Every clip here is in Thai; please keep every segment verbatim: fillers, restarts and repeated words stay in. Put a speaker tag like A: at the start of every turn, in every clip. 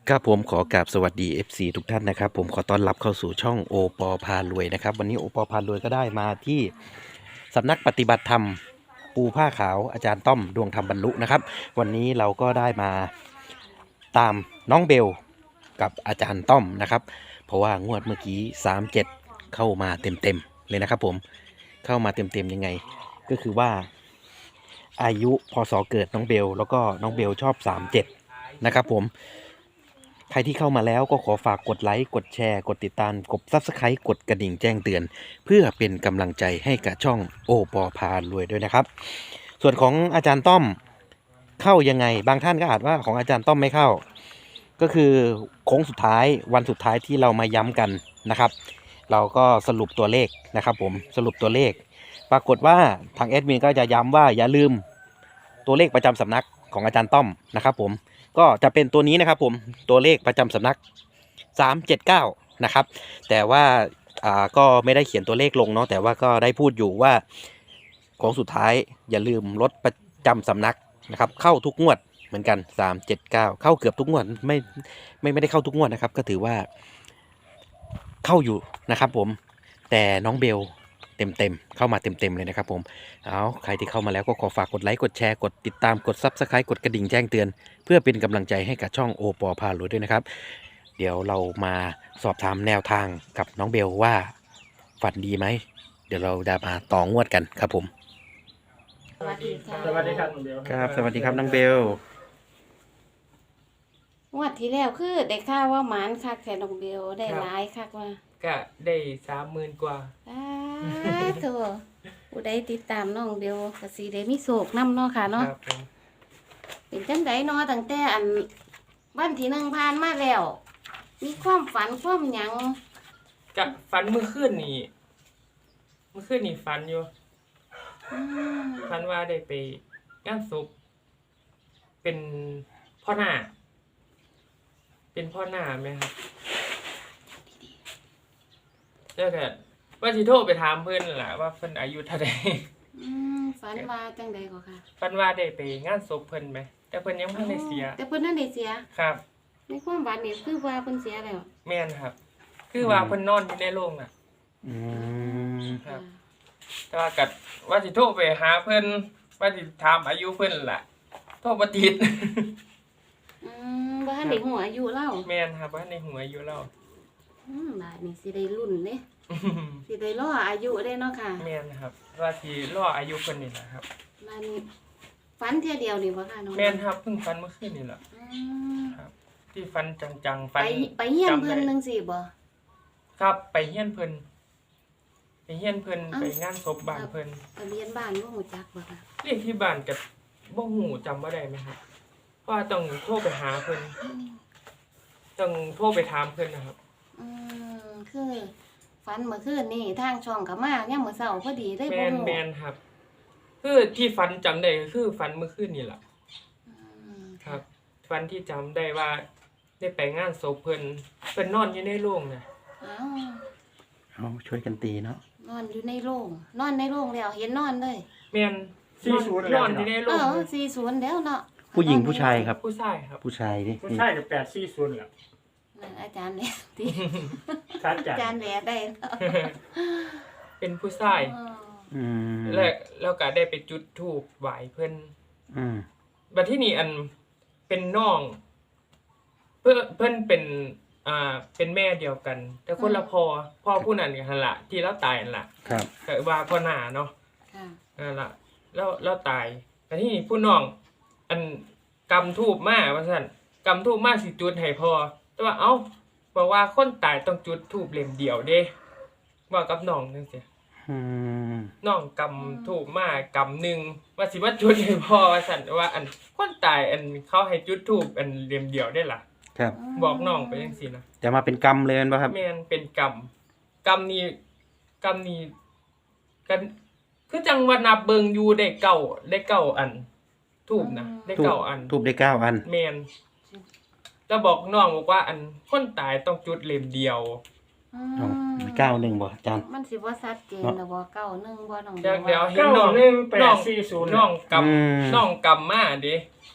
A: ครับผมขอกราบสวัสดี เอฟ ซี ทุกท่านนะครับผมขอต้อนรับเข้าสู่ช่องโอปอพารวยนะครับวันนี้โอปอพารวยก็ได้มาที่สำนักปฏิบัติธรรมปูผ้าขาวอาจารย์ต้อมดวงธรรมบรรลุนะครับวันนี้เราก็ได้มาตามน้องเบลกับอาจารย์ต้อมนะครับเพราะว่างวดเมื่อกี้สามเจ็ดเข้ามาเต็มๆเลยนะครับผมเข้ามาเต็มๆยังไงก็คือว่าอายุพศเกิดน้องเบลแล้วก็น้องเบลชอบสามเจ็ดนะครับผม ใครที่เข้ามาแล้วก็ขอฝากกดไลค์กดแชร์กดติดตามกดซับสไครต์กดกระดิ่งแจ้งเตือนเพื่อเป็นกำลังใจให้กับช่องโอปอพารวยด้วยนะครับส่วนของอาจารย์ต้อมเข้ายังไงบางท่านก็อาจว่าของอาจารย์ต้อมไม่เข้าก็คือโค้งสุดท้ายวันสุดท้ายที่เรามาย้ำกันนะครับเราก็สรุปตัวเลขนะครับผมสรุปตัวเลข ปรากฏว่าทางแอดมินก็จะย้ำว่าอย่าลืมตัวเลขประจำสำนักของอาจารย์ต้อมนะครับผมก็จะเป็นตัวนี้นะครับผมตัวเลขประจำสำนักสามเจ็ดเก้านะครับแต่ว่าอ่าก็ไม่ได้เขียนตัวเลขลงเนาะแต่ว่าก็ได้พูดอยู่ว่าของสุดท้ายอย่าลืมลดประจำสำนักนะครับเข้าทุกงวดเหมือนกันสามเจ็ดเก้าเข้าเกือบทุกงวดไม่ไม่ไม่ได้เข้าทุกงวดนะครับก็ถือว่าเข้าอยู่นะครับผมแต่น้องเบลเต็มเต็มเข้ามาเต็มเต็มเลยนะครับผมเอาใครที่เข้ามาแล้วก็ขอฝากกดไลค์กดแชร์กดติดตามกดซับสไครต์กดกระดิ่งแจ้งเตือนเพื่อเป็นกำลังใจให้กับช่องโอปอพารวยด้วยนะครับเดี๋ยวเรามาสอบถามแนวทางกับน้องเบลว่าฝันดีไหมเดี๋ยวเราจะมาต่องวดกันครับผม
B: สวัสดีค่ะ
C: สวัสดีครับน้องเบล
A: ครับสวัสดีครับน้องเบล
B: งวดที่แล้วคือได้ข่าวว่าหมานคักแทนน้องเบลได้หลายคักว่า
C: ก็ได้สามหมื่นกว่า
B: อ้าโถผู้ใดติดตามน้องเบลก็สิได้มีโศกนำเนาะค่ะ
C: ค
B: เนาะ
C: รับผม
B: เป็นจังไดเนาะตั้งแต่อันวันที่หนึ่งผ่านมาแล้ว มีความฝันความหยัง
C: ก็ฝันเมื่อคืนนี่เมื่อคืนนี่ฝันอยู่
B: อืม
C: ฝันว่าได้ไปงานศพเป็นพ่อหน้า เป็นพ่อหน้าไหมครับแล้วก็ว่าสิโทรไปถามเพิ่นนั่นล่ะว่าเพิ่นอายุเท่าใด
B: อืมฝันว่าจังไดก็ค่ะ
C: ฝันว่าได้ไปงานศพเพิ่นไหมแต่เพิ่นยังบ่ทันได้เสีย
B: แต่เพิ่นนั่นได้เสีย
C: ครับ
B: ในความฝันนี่คือว่าเพิ่นเสียแล้ว
C: แม่นครับ คือว่าเพิ่นนอนอยู่ในโรงน่ะ
A: อืม
C: ครับ แต่ว่ากัดว่าสิโทรไปหาเพิ่นว่าสิถามอายุเพิ่นล่ะโทรบ่ติด
B: อืมบ่ทันได้หัวอายุเล่า
C: แม่นครับว่าในหัวอายุเรา
B: อืมบาดนี้สิได้รุ่นเด้สิได้รออายุได้เนาะค่ะ
C: แม่นครับว่าสิรออายุเพิ่นนี่ล่ะครับ
B: มันฝันเที่ยเดียวนี่บ่ค่ะน้อง
C: แม่นครับเพิ่งฝันเมื่อคืนนี่ล่ะ
B: อืม
C: ครับ ที่ฝันจังๆ
B: ไป
C: ฝัน
B: ไปเฮียน
C: จำ
B: เพิ่น
C: ได้
B: จังซี่บ่
C: ครับไปเฮียนเพิ่นไปเฮียนเพิ่น
B: อ้าว
C: ไปงานศพบ้านเพิ่น
B: ทะเบียนบ้านบ่ฮู้จักบ่ค่ะ
C: เลขที่บ้านก็บ่ฮู้จำบ่ได้ไหมครับเพราะว่าต้องโทรไปหาเพิ่น
B: อืม
C: ต้องโทรไปถามเพิ่นนะครับ
B: อืมคือฝันเมื่อคืนนี่ทางช่องก็มายามมื้อเช้าพอดีได้บ่
C: แม่น
B: ฮู้
C: แม่นครับ คือที่ฝันจำได้ก็คือฝันเมื่อคืนนี่ล่ะ
B: อืม
C: ครับวันที่จำได้ว่าได้ไปงานศพเพิ่นเพิ่นนอนอยู่ในโรงน่ะ
B: อ้าว
A: เอาช่วยกันตีเนาะ
B: นอนอยู่ในโรงนอนในโรงแล้วเห็นนอนเลย
C: แม่นนอนนอนอยู่ในโร
B: เอง อสี่สิบแล้วเนาะ
A: ผู้หญิงผู้ชายครับ
C: ผู้ชายครับ
A: ผู้ชายดิ
D: ผู้ชายกับแปดสี่ศูนย์แหละ
B: นั่นอาจารย์แหละที่
D: ชัด
B: อา
D: จัด
B: จารย์แหละได้แล้ว
C: เป็นผู้ชาย
B: อ๋อ
A: อืม
C: แล้วแล้วก็ได้ไปจุดธูปไหว้เพิ่น
A: อืม
C: บัดที่นี่อันเป็นน้อง เพิ่นเพิ่นเป็นอ่าเป็นแม่เดียวกัน แต่คนละพ่อพ่อผู้นั้นก็หั่นล่ะที่เราตายนั่นล่ะ
A: ครับ
C: ก็ว่าพ่อหน้าเนาะ
B: ค่ะ
C: นั่นล่ะแล้วแล้วตายแต่ที่นี่ผู้น้อง อันกำทูบมาว่าซั่นกำทูบมาสิจุดให้พอแต่ว่าเอ้าบอกว่าคนตายต้องจุดทูบเล่มเดียวเด้ว่ากับน้องจังซี่
A: อืม
C: น้องกำทูบมากำหนึงว่าสิมาจุดให้พอว่าซั่นว่าอันคนตายอันเขาให้จุดทูบอันเล่มเดียวได้ล่ะ
A: ครับ
C: บอกน้องไปจังซี่นะ
A: จะมาเป็นกรรมเลยป่ะครับ
C: แม่นเป็นกรรมกรรมนี้กรรมนี้กันคือจังว่านับเบิงอยู่ได้เก้าได้เก้าอันทูบนะได้เก้าอัน
A: ทูบได้เก้าอัน
C: แมนแล้วบอกน้องบอกว่าอันคนตายต้องจุดเล่มเดียว
B: อื
A: เอา
B: ม
A: เก้าหนึ่งบ่อาจารย์
B: มันสิบ่ชัดเจนแล้วบ่เก้าหนึ่งบ่น้อง
C: เดี๋ยวเดี๋ยว
B: ว่า
C: เห็น
D: เก้า
C: น้อง
D: หนึ่งแป
C: น้อ
D: ด
C: ง
D: สี่ศูนย์
C: น้องก
A: อืม
C: ำน้องกำมาเด้
B: อืม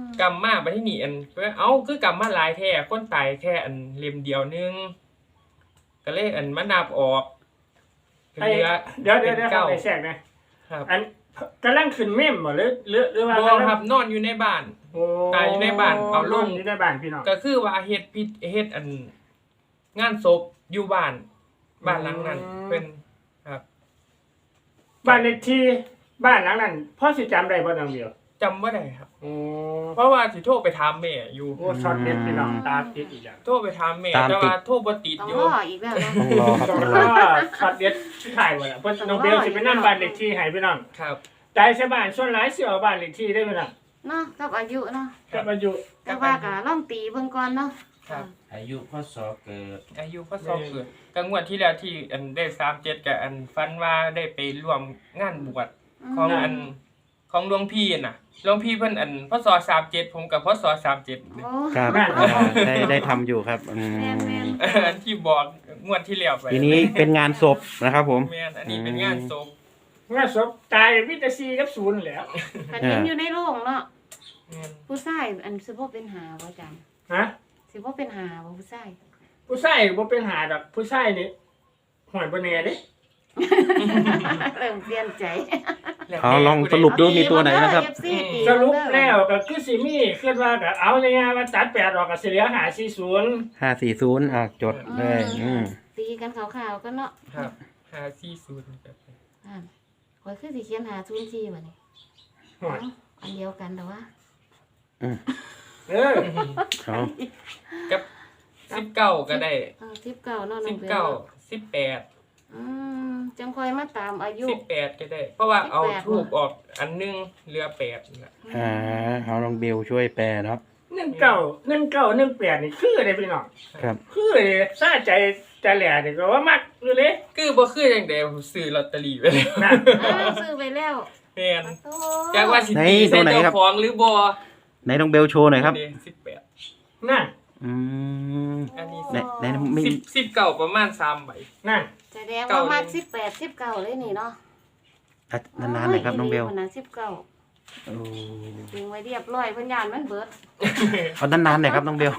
C: กำมาบัดที่นี่อันเอ้าคือกำมาหลายแท้คนตายแค่อันเล่มเดียวนึงก็เลยอันมานับออกเห
D: ไอ้
C: ลือ
D: เดี๋ยวเดี๋ยวเดี๋ยว
C: เก้า
D: ไปแทรกนะครับ อันกำลังขึ้นเมมบ่หรือหรือหรือว่า
C: บ่ครับนอนอยู่ในบ้าน
D: โอ้
C: ตายอยู่ในบ้านเอาลง
D: อยู่ในบ้านพี่น้อง
C: ก็คือว่าเฮ็ดพิธเฮ็ดอันงานศพอยู่บ้านบ้านหลังนั้นเป็นครับ
D: บ้านเลขที่บ้านหลังนั้นพ่อสิจำได้บ่น้องเดียว
C: จำบ่ได้ครับ
D: โอ้
C: เพราะว่าสิโทรไปถามแม่อยู่
D: โหช็อตเด็ดพี่น้องตาติดอีกแล้ว
C: โทรไปถามแม่
A: ตามติด
C: แต่ว่าโทรบ่ติด
B: ต้อง
C: อยู่
B: รออีกแล้วเนาะ
A: ต้องรอครับ
D: ต้อ
A: ต้อง ง
D: ร
A: ร
D: อ
A: อ
D: ช็อตเด็ดที่ถ่ายไว้แล้วเพิ่นน้องเบลสิไปนำบ้านเลขที่ให้พี่น้อง
C: ครับ
D: ใจใส่บ้านส่วนหลายสิเอาบ้านเลขที่ได้พี่น้อง
B: เนาะกับอายุเนาะ
D: กับอายุ
B: แต่ว่าก็ลองตีเบิ่งก่อนเนาะ
C: ครับ
E: อายุพศเกิด
C: อายุพศเกิดกลางวันที่แล้วที่อันได้สามสิบเจ็ดกับอันฟันว่าได้ไปร่วมงานบวชของอันของหลวงพี่น่ะหลวงพี่เพิ่นอันพศสามสิบเจ็ดผมกับพศสามสิบเจ็ด
B: โอ้
A: ครับอ่าได้ได้ทำอยู่ครับอืม
B: แม่นแม่น
C: อันที่บอกงวดที่แล้วไป
A: ทีนี้เป็นงานศพนะครับผม
C: แม่นอันนี้เป็นงานศพ
D: งานศพตายวิตาซีกับศูนย์แหล้ว
B: คันเห็นอยู่ในโรงเนาะ
C: แม่น
B: ผู้ชายอันสิบ่เป็นหาบ่จัง
D: ฮะ
B: สิบ่เป็นหาบ่ผู้ชาย
D: ผู้ชายบ่เป็นหาดอกผู้ชายนี่หอยบ่แน่เด้
B: เริ่มเปลี่ยนใจ
A: เอาลองสรุปดูมีตัวไหนนะครับ
B: เอฟซีตี
D: สรุปแล้วก็คือสิมีคิดว่าก็เอาง่ายๆว่าตัดแปดออกก็สิเหลือห้าสี่ศูนย์
A: ห้าสี่ศูนย์อ่ะจดเลยอืม
B: ตีกันขาวๆกันเนาะ
C: ครับห้าสี่ศูนย์ครับ
B: อ่าข่อยคือสิเขียนหาศูนย์สี่บัดนี้
D: หอย
B: เอ้าอันเดียวกันแต่ว่า
D: เออ
A: เอา
C: กับสิบเก้าก็ได้
B: เออสิบเก้าเนาะน้
C: สิ
B: อบ งเบล
C: เก้าสิบแปด
B: อืมจังค่อยมาตามอายุ
C: สิบแปดก็ได้ เพราะว่าเอา
B: สิบแปด
C: ทูบออกอันหนึงเหลือแปดนั่นแหละ
A: อ่าเอาลองเบลช่วยแปลเนาะ
D: หนึ่งเก้าหนึ่งเก้าหนึ่งแปดนี่คืออะไรพี่น้อง
A: ครับ
D: คือเลยซาใจใจแหล่นี่ก็ว่ามักอยู่เลย
C: คือบ่คือจังได๋ผมซื้อลอตเตอรี่ไปแล้ว
D: นะ
B: อ้าวซื้อไปแล้ว
C: แม่น
B: โอ้
C: จากว่าสิ
A: ไหน
C: ตี
A: ตั
C: ใส่
A: วไหน
C: เจ้า
A: ครับ
C: ของหรือบ่
A: ไหนลองเบลโชว์หน่อยครับ
C: สิบแปด
D: นั่น
A: อืม
C: อันนี้
A: ไหนไหนไม่
C: สิบสิบเก้าประมาณสามใบ
D: นั่น
B: แสดงว่ามาสิบแปดสิบเก้าเลยนี่เนาะ
A: อ่ะนานๆหน่อยครับน้องเบล
B: โยสิบเก้า
A: โอ้
B: ดึงไว้เรียบร้อยเพิ่นยานมันเบิด
A: เอานานๆหน่อยครับน้องเบล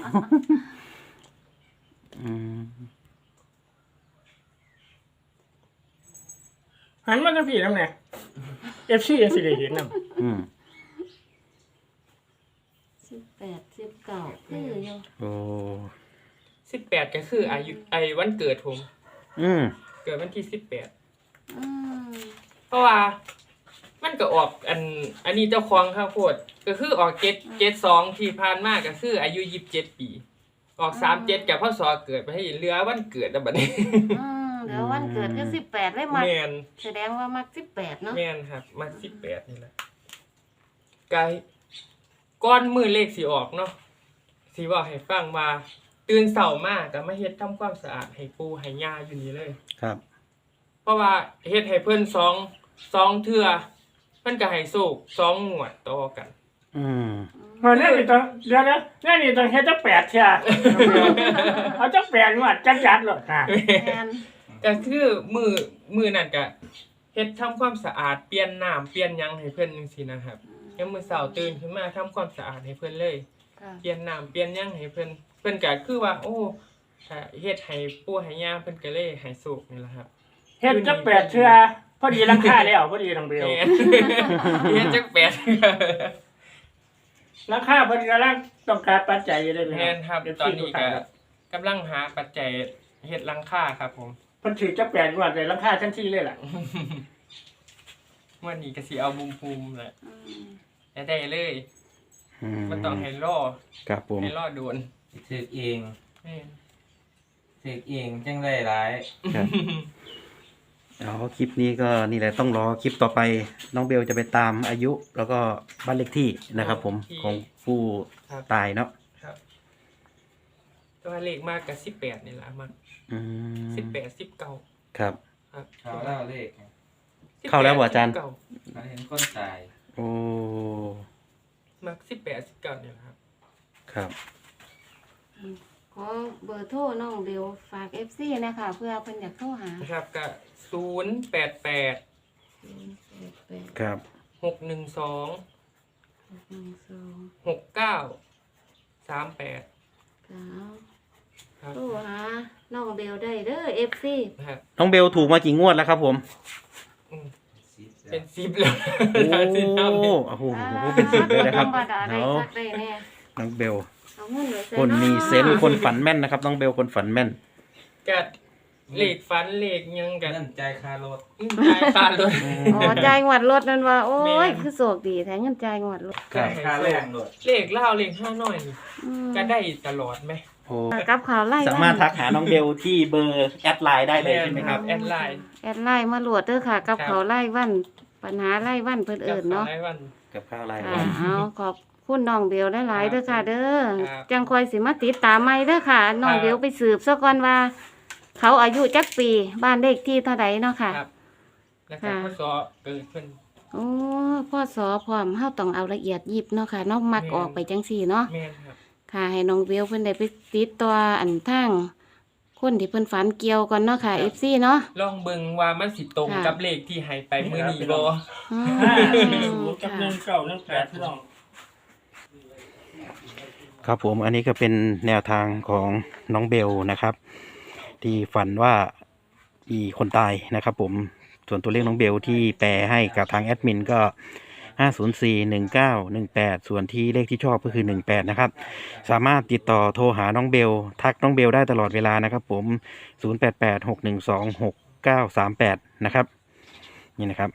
A: อืม
D: หันมาทางพี่นำแหน่ เอฟ ซี ยังสิได้เห็นนำ
A: อืม
B: สิบแปดสิบเก้าคืออยู่
A: โอ้
C: สิบแปดก็คืออายุไอ้วันเกิดผม
A: อืม
C: เกิดวันที่สิบแปด
B: อืม
C: เพราะว่ามันก็ออกอัน อันนี้เจ้าของข้าวโพดก็คือออกเจ็ดเจ็ดสองที่ผ่านมาก็คืออายุยี่สิบเจ็ดปี ออกสามเจ็ดกับพ่อสอเกิดไปให้เหลือวันเกิดแล้วบัดนี้
B: อืมเดี๋ยววันเกิดคือสิบแปดเลยมัก
C: แม่น
B: แสดงว่ามักสิบแปดเนาะ
C: แม่นครับ มาสิบแปดนี่แหละกายก้อนมือเลขสีออกเนาะสีบอกให้ฟังว่าตื่นเสาร์มากก็มาเฮ็ดทำความสะอาดให้ปูให้ย่าอยู่นี่เลย
A: ครับ
C: เพราะว่าเฮ็ดให้เพิ่นสองสองเทื่อเพิ่นก็ให้โศกสองงวดต่อกัน
A: อืม
D: เฮ้ยนี่ต้องเดี๋ยวนะนี่นี่ต้องเฮ็ดจักแปดเที่ยเอาจักแปดงวดจัดๆโลดนะ
B: แม่น
C: ก็คือมือมือนั่นก็เฮ็ดทำความสะอาดเปลี่ยนน้ำเปลี่ยนหยังให้เพิ่นจังซี่นะครับยามมื้อเช้าตื่นขึ้นมาทำความสะอาดให้เพิ่นเลย
B: ค่ะ
C: เปลี่ยนน้ำเปลี่ยนหยังให้เพิ่นเพิ่นก็คือว่า โอ้ถ้าเฮ็ดให้ปู่ให้ย่าเพิ่นก็เลยให้โศกนี่แหละครับ
D: เฮ็ดจักแปดเที่ยพอดีราคาแล้วพอดีน้องเบล
C: แม่น เฮ็ดจักแปด
D: ราคาพอดีกำลังต้องการปัจจัยอยู่ได้ไหม
C: แม่นครับตอนนี้ก็กำลังหาปัจจัยเฮ็ดหลังคาครับผม
D: เพิ่นถือจักแปดงวดเลยราคาทันทีเลยล่ะ
C: วันนี้ก็สิเอาบุมภูมิแหละ
B: อืม
C: ได้ได้เลย
A: อืม
C: บ่ต้องให้รอ
A: ครับผม
C: ให้รอโดน
E: ถือเอง
C: แม่น
E: ถือเองจังได้หลาย
A: ครับเอาคลิปนี้ก็นี่แหละต้องรอคลิปต่อไป น้องเบลจะไปตามอายุ แล้วก็บ้านเลขที่นะครับ ผมของผู้
C: ครับ
A: ตายเนาะ
C: ครับตัวเลขมากกับสิบแปดนี่แหละมาก
A: อืม
C: สิบแปดสิบเก้า
A: ครับ
C: ครับ
E: เขาเล่าเลข
A: เข้าแล้วเหรออาจารย์
C: สิบเก้
E: เขาเห็นคนตาย
A: โอ้
C: มักสิบแปดสิบเก้านี่แหละครับ
A: ครับ
B: ขอเบอร์โทรน้องเบลฝาก เอฟ ซี นะคะเพื่อเพิ่นอยากโทรหา
C: นะครับก็ศูนย์แปดแปด
A: ครับ
C: หกหนึ่งสอง
B: หนึ่งสอง
C: หกเก้าสามแปด
B: สาม
C: ครับ
B: โทรหาน้องเบลได้เด้อเอฟซี
C: นะครับ
A: น้องเบลถูกมากี่งวดแล้วครับผม
C: อืม
E: สิบ
C: เป็นสิบแล้ว
A: โอ้
C: สิบแล้ว
A: โอ้โหเป็นสิบเลยนะครับ
B: ธรรมดาได้
A: เนาะ
B: คักได้แน่
A: น้องเบล
B: เอาเงินไว้ใส่
A: คนมี
B: าะ
A: เซนส์คนฝันแม่นนะครับน้องเบลคนฝันแม่น
C: กัดเหล็กฟันเหล็กยังกัด
E: เงินใจายค่ารถ
C: ใจายขาดเลย
B: อ๋อจ่ายงวดรถนั่นว่า โอ้
C: แม่
B: ย
C: น
B: คือโศกดีแท้เงินจ่ายงวดรถ
A: ครับ
E: ค่าแรงรถ
C: เหล็กเล่าเหล็กห้าน้อยนี่
B: อืม
C: ก็ได้ตลอดไหม
A: โอ้
B: กับข่าวไล่
A: สามารถทักหาน้องเบลที่เบอร์แอดไลน์ได้เลยใช่ไหมครับ
C: แอดไลน์
B: แอดไลน์มาโหลดเด้อค่ะ กับ
C: ครับ
B: ข่าวไล่วันปัญหาไล่วันเพิ่นเอิ้นเนาะ
C: กับสยวัน
A: กับข้าวไลน์
B: ค่ะเอาขอบคุณน้องเบลหลายๆเด้อค่ะเด้อ
C: ครับ
B: จังคอยสิมาติดตามใหม่เด้อค่ะน้องเบลไปสืบซะก่อนว่า เขาอายุจักปีบ้านเลขที่เท่าใดเนาะค่ะ
C: ครับแล้วก็
B: ค่ะ
C: ข้อสอเกิดขึ้น
B: โอ้พ่อสอพร้อมเฮาต้องเอาละเอียดยิบเนาะค่ะเนอกมัก
C: แม่น
B: ออกไปจังซี่เนาะ
C: แม่นครับ
B: ค่ะ ให้น้องเบลเพิ่นได้ไปติดตัวอันทางคนที่เพิ่นฝันเกี่ยวก่อนเนาะค่ะ
C: ครับ
B: เอฟ ซี เนาะ
C: ลองเบิ่งว่ามันสิตรง
B: ค่ะ
C: กับเลขที่ให้ไปมื้อนี้บ่
B: อืม
D: ห้าสี่ศูนย์กับหนึ่งเก้าหนึ่งแปดพี่น้อง
A: ครับผมอันนี้ก็เป็นแนวทางของน้องเบลนะครับ ที่ฝันว่ามีคนตายนะครับผมส่วนตัวเลขน้องเบลที่แปลให้กับทางแอดมินก็ห้าศูนย์สี่ หนึ่งเก้า หนึ่งแปดส่วนที่เลขที่ชอบก็คือหนึ่งแปดนะครับสามารถติดต่อโทรหาน้องเบลทักน้องเบลได้ตลอดเวลานะครับผมศูนย์แปดแปด หกหนึ่งสอง หกเก้าสามแปดนะครับนี่นะครับ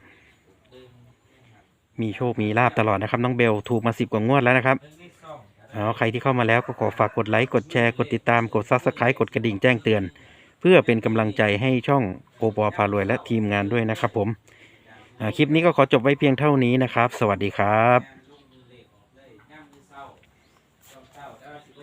A: มีโชคมีลาบตลอดนะครับน้องเบลถูกมาสิบกว่างวดแล้วนะครับเอาใครที่เข้ามาแล้วก็ขอฝากกดไลค์กดแชร์กดติดตามกดซับสไครต์กดกระดิ่งแจ้งเตือน เพื่อเป็นกำลังใจให้ช่องโอปอพารวยและทีมงานด้วยนะครับผมอ่าคลิปนี้ก็ขอจบไว้เพียงเท่านี้นะครับ สวัสดีครับ